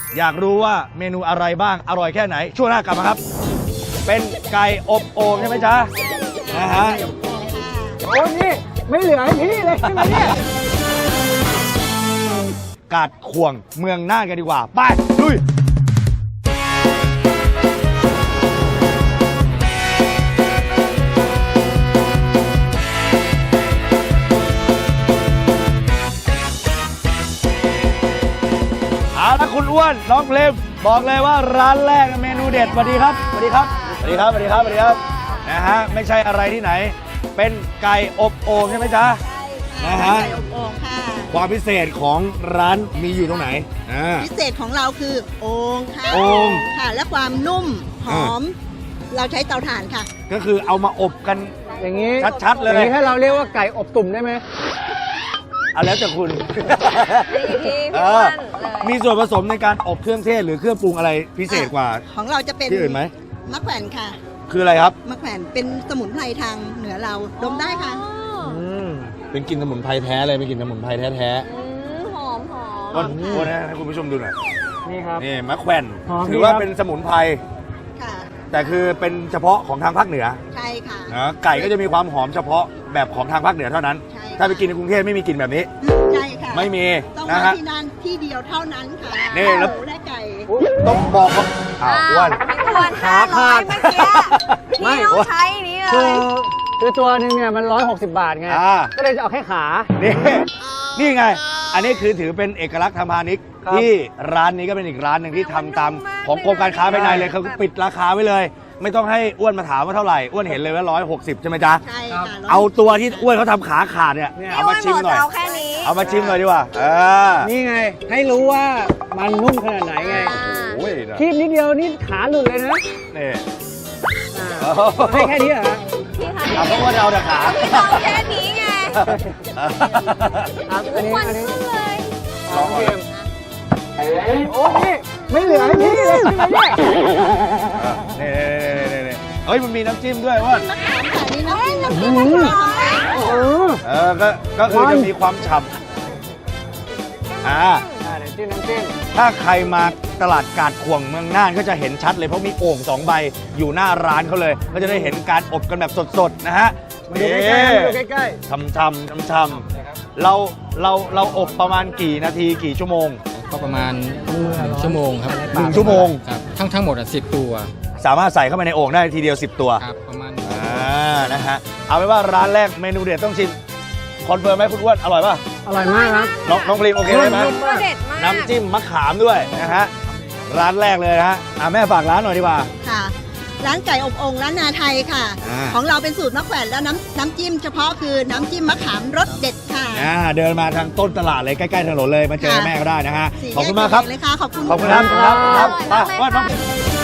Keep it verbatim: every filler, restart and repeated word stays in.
อยากรู้ว่าเมนูอะไรบ้างอร่อยแค่ไหนช่วงหน้ากลับมาครับเป็นไก่อบโอ่งใช่ไหมจ๊ะนะฮะโอ้นี่ไม่เหลือให้พี่เลยใช่ไหมเนี่ยกาดข่วงเมืองน่านกันดีกว่าไปลุยเอาละคุณอ้วนน้องเพลมบอกเลยว่าร้านแรกเมนูเด็ดสวัสดีครับสวัสดีครับสวัสดีครับสวัสดีครับสวัสดีครับนะฮะไม่ใช่อะไรที่ไหนเป็นไก่อบโอ่งใช่ไหมจ๊ะนะฮะไก่อบโอ่งค่ะความพิเศษของร้านมีอยู่ตรงไหนพิเศษของเราคือโอ่งค่ะโอ่งค่ะและความนุ่มหอมเราใช้เตาถ่านค่ะก็คือเอามาอบกันอย่างนี้ชัดๆเลยอย่างนี้ให้เราเรียกว่าไก่อบตุ่มได้ไหมเอาแล้วแต่คุณมีส่วนผสมในการอบเครื่องเทศหรือเครื่องปรุงอะไรพิเศษกว่าของเราจะเป็นที่อื่นไหมมะแขวนค่ะคืออะไรครับมะแขวนเป็นสมุนไพรทางเหนือเราดมได้ค่ะเป็นกลิ่นสมุนไพรแท้เลยเป็นกลิ่นสมุนไพรแท้ๆหอมหอมวันวันนี้ให้คุณผู้ชมดูหน่อยนี่ครับนี่มะแขวนถือว่าเป็นสมุนไพรค่ะแต่คือเป็นเฉพาะของทางภาคเหนือใช่ค่ะนะไก่ก็จะมีความหอมเฉพาะแบบของทางภาคเหนือเท่านั้นถ้าไปกินในกรุงเทพไม่มีกลิ่นแบบนี้ใช่ค่ะไม่มีต้องนะมาฮะที่นั่นที่เดียวเท่านั้นค่ะนี่แล้วได้ไก่ต้องบอกว่าอ้าวอ้วนขาขาดเมื่อกี้พี่ต้องใช้นี้เลยคือคือตัวหนึ่งเนี่ยมันร้อยหกสิบบาทไงก็เลยจะเอาแค่ขานี่นี่ไงอันนี้คือถือเป็นเอกลักษณ์ทางพาณิชย์ที่ร้านนี้ก็เป็นอีกร้านหนึ่งที่ทำตามของกรมการค้าภายในเลยเขาปิดราคาไว้เลยไม่ต้องให้อ้วนมาถามว่าเท่าไหร่อ้วนเห็นเลยว่าร้อยหกสิบใช่ไหมจ๊ะใช่ค่ะเอาตัวที่อ้วนเขาทำขาขาดเนี่ยเอามาชิมหน่อยเอาแค่นี้เอามาชิมหน่อยดีกว่าเออนี่ไงให้รู้ว่ามันนุ่มขนาดไหนไงโอ้ยคีบนิดเดียวนี่ขาหลุดเลยนะนี่ให้แค่นี้เหรอพี่คะเอาเพราะว่าเอาแต่ขาเอาแค่นี้ไงอันนี้อันนี้เลยลองเกมโอ้นี่ไม่เหลือให้พี่เลยใช่ไหมเนี่ยนี่นี่นี่เฮ้ยมันมีน้ำจิ้มด้วยว่ามะขามค่ะนี่น้ำจิ้มน้ำจิ้มมะขามเออก็ก็คือจะมีความฉ่ำอ่าเดี๋ยวจิ้มน้ำจิ้มถ้าใครมาตลาดกาดข่วงเมืองน่านก็จะเห็นชัดเลยเพราะมีโอ่งสองใบอยู่หน้าร้านเขาเลยก็จะได้เห็นการอบกันแบบสดๆนะฮะมาดูใกล้ๆมาดูใกล้ๆช่ำๆช่ำๆเราเราเราอบประมาณกี่นาทีกี่ชั่วโมงก็ประมาณชั่วโมงครับหนึ่งชั่วโมงครับทั้งทั้งหมดอ่ะสิบตัวสามารถใส่เข้าไปในโอ่งได้ทีเดียวสิบตัวครับประมาณอ่านะฮะเอาเป็นว่าร้านแรกเมนูเด็ดต้องชิมคอนเฟิร์มไหมคุณอ้วนอร่อยป่ะอร่อยมากครับน้องน้องพรีมโอเคไหมน้ำจิ้มมะขามด้วยนะฮะร้านแรกเลยนะฮะอ่าแม่ฝากร้านหน่อยดีกว่าค่ะร้านไก่อบโอ่งร้านนาไทยค่ะของเราเป็นสูตรมะแขวนแล้วน้ำน้ำจิ้มเฉพาะคือน้ำจิ้มมะขามรสเด็ดค่ะอ่าเดินมาทางต้นตลาดเลยใกล้ๆถนนเลยมาเจอแม่ก็ได้นะฮะขอบคุณมากครับเลยค่ะขอบคุณขอบคุณครับครับครับว่าน้อง